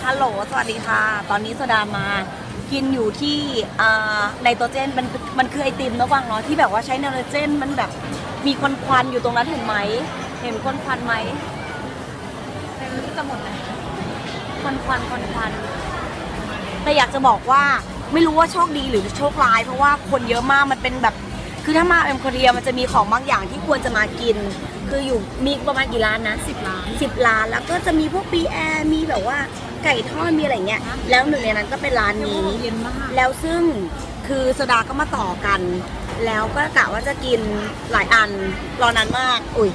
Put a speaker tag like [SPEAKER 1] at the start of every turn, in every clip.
[SPEAKER 1] ฮัลโหลสวัสดีค่ะตอนนี้โซดามากินอยู่ที่ไนโตรเจนมันคือไอติมนะวังเนาะที่แบบว่าใช้ไนโตรเจนมันแบบมีควันอยู่ตรงนั้นเห็นไหมเห็นควันไหมเป็นจะหมดเลยควันแต่อยากจะบอกว่าไม่รู้ว่าโชคดีหรือโชคร้ายเพราะว่าคนเยอะมากมันเป็นแบบคือถ้ามาเอ็มโคเรียมันจะมีของบางอย่างที่ควรจะมากินคืออยู่มีประมาณกี่ร้านนะ10 ร้านแล้วก็จะมีพวกปีแอร์มีแบบว่าไก่ทอดมีอะไรเงี้ยแล้วหนึ่งในนั้นก็เป็นร้านนี้แล้วซึ่งคือโซดาก็มาต่อกันแล้วก็กะว่าจะกินหลายอันรอนานมากอุ้ย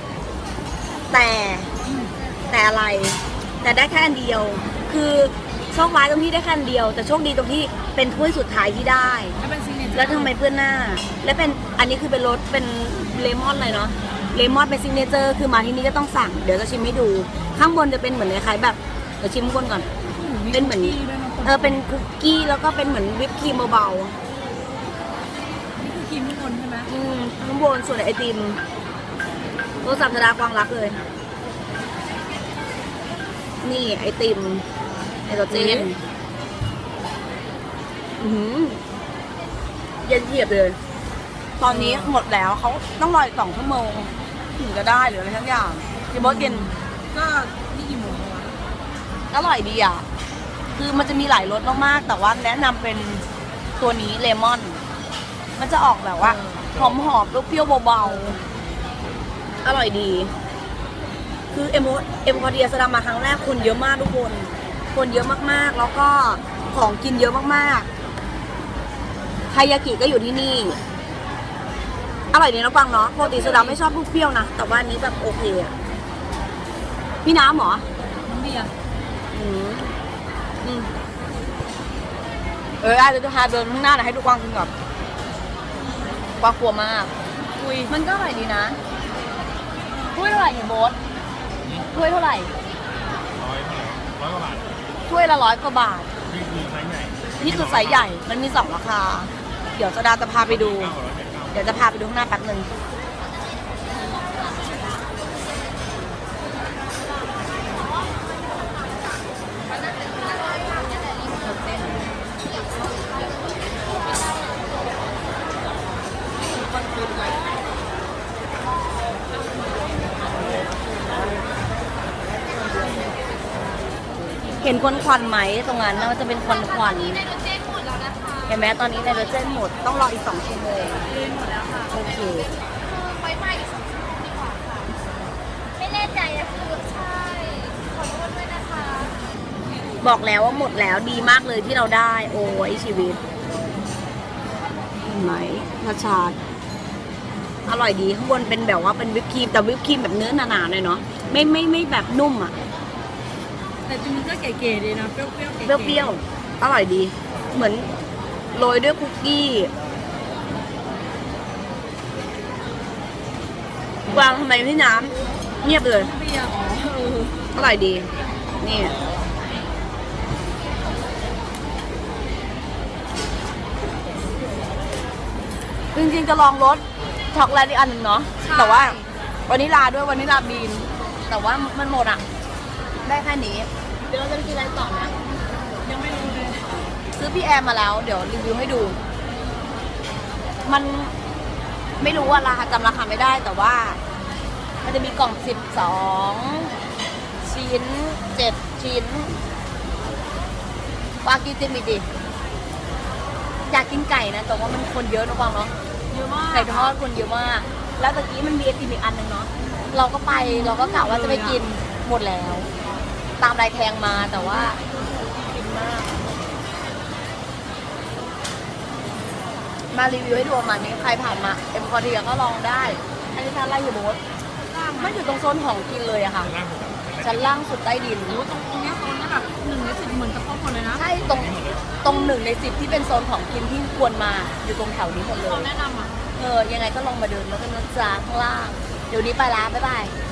[SPEAKER 1] แต่อะไรแต่ได้แค่อันเดียวคือโชคร้ายตรงที่ได้แค่อันเดียวแต่โชคดีตรงที่เป็นถ้วยสุดท้ายที่ได้แล้วทำไมเพื่อนหน้าและเป็นอันนี้คือเป็นรสเป็นเลมอนเลยเนาะเลมอนเป็นซิกเนเจอร์คือมาที่นี่ก็ต้องสั่งเดี๋ยวจะชิมให้ดูข้างบนจะเป็นเหมือนคล้ายๆแบบเดี๋ยวชิมข้างบนก่อนเป็นเหมือนเป็นคุกกี้แล้วก็เป็นเหมือนวิปครีมเบา
[SPEAKER 2] ๆนี่คือครีมข้างบนใช่ไหม
[SPEAKER 1] ข้างบนส่วนไอติมโทรศัพท์ธดากวางรักเลยนี่ไอติมไอโตรเจนเย็นเทียบเลยตอนนี้หมดแล้วเขาต้องรออีก2 ชั่วโมงถึงจะได้หรืออะไรทั้งอย่างพี่บอสกิน
[SPEAKER 2] ก็นี่กี่โมงแล้ว
[SPEAKER 1] อร่อยดีอ่ะคือมันจะมีหลายรสมากๆแต่ว่าแนะนำเป็นตัวนี้เลมอนมันจะออกแบบว่าหอมเปรี้ยวๆเบาๆอร่อยดีคือเอ็มพอเดียสดามาครั้งแรกคนเยอะมากทุกคนเยอะมากๆแล้วก็ของกินเยอะมากๆไทยากิก็อยู่ที่นี่อร่อยดีนะฟังเนาะปกติโซดาไม่ชอบลูกเปรี้ยวนะแต่ว่านี้แบบโอเคอะพี่น้ำเหรอ
[SPEAKER 2] น้ำเบียร์
[SPEAKER 1] ได้เดี๋ยวจะพาเดินข้างหน้าหน่อยให้ดูกวางกินก่อนกวางกลัวมากมันก็อร่อยดีนะถ้วยเท่าไหร่เนี่ยโบ๊ทถ้วยเท่าไหร่
[SPEAKER 3] 100 กว่าบาท
[SPEAKER 1] ถ้วยละ100 กว่าบาท
[SPEAKER 3] นี่คือไซส์ใหญ่
[SPEAKER 1] มันมี2 ราคาเดี๋ยวโซดาจะพาไปดูเดี๋ยวจะพาไปดูข้างหน้าแป๊บนึงเห็นควันไหมตรงนั้นมันจะเป็นควันเห็นไหมตอนนี้ไนโตรเจนหมดต้องรออีก2 ชั่วโมง
[SPEAKER 2] หมดแล้วค่ะ
[SPEAKER 1] โอเค
[SPEAKER 4] ไว้ใหม่อีก2 ชั่วโมงดีกว่าค่ะไม่แน่ใจนะคือใช่ขอโทษด้วยนะคะ
[SPEAKER 1] บอกแล้วว่าหมดแล้วดีมากเลยที่เราได้โอ้ยชีวิตเห็นไหมชาอร่อยดีข้างบนเป็นแบบว่าเป็นวิปครีมแต่วิปครีมแบบเนื้อหนาๆเลยเนาะไม่แบบนุ่มอ่ะ
[SPEAKER 2] แต่จริงๆก็เก๋ๆดีนะเปรี้ยว
[SPEAKER 1] อร่อยดีเหมือนโรยด้วยคุกกี้วางทำไมพี่น้ำเงียบเลย
[SPEAKER 2] เปรี้ยว
[SPEAKER 1] อร่อยดีนี่จริงๆจะลองรสช็อกโกแลตอีกอันหนึ่งเนาะแต่ว่าวานิลาด้วยวานิลาบีนแต่ว่ามันหมดอ่ะได้แค่นี้เดี๋ยวเราจะไปกินอะไรต่อนะ
[SPEAKER 2] ยังไม่รู้เลย
[SPEAKER 1] ซื้อพี่แอมมาแล้วเดี๋ยวรีวิวให้ดูมันไม่รู้ว่าราคาจำราคาไม่ได้แต่ว่ามันจะมีกล่อง12 ชิ้น7 ชิ้นวากินติมิดิอยากกินไก่นะแต่ว่ามันคนเยอะนะฟังเนาะ
[SPEAKER 2] เยอะมาก
[SPEAKER 1] ไก่ทอดคนเยอะมากแล้วตะกี้มันมีไอติมอีกอันหนึ่งเนาะเราก็กะว่าจะไปกินหมดแล้วตามรายแทงมาแต่ว่ากินมากมารีวิวให้ดูประมาณนี้ใครผ่านมาเอ็มพอดีก็ลองได้อันนี้ชั้นอะไรอยู่โบ๊ทไม่อยู่ตรงโซนของกินเลยอะค่ะชั้นล่างสุดใต้ดิน
[SPEAKER 2] ตรงนี้โซนนี้แบบ1 ใน 10เหมือนจะครบหมดเลยนะ
[SPEAKER 1] ใช่ตรง1 ใน 10ที่เป็นโซนของกินที่ควรมาอยู่ตรงแถวนี้หมดเลย
[SPEAKER 2] แนะนำอ่ะ
[SPEAKER 1] ยังไงก็ลองมาเดินแล้วกันนะจ๊ะข้างล่างเดี๋ยวนี้ไปละบ๊ายบาย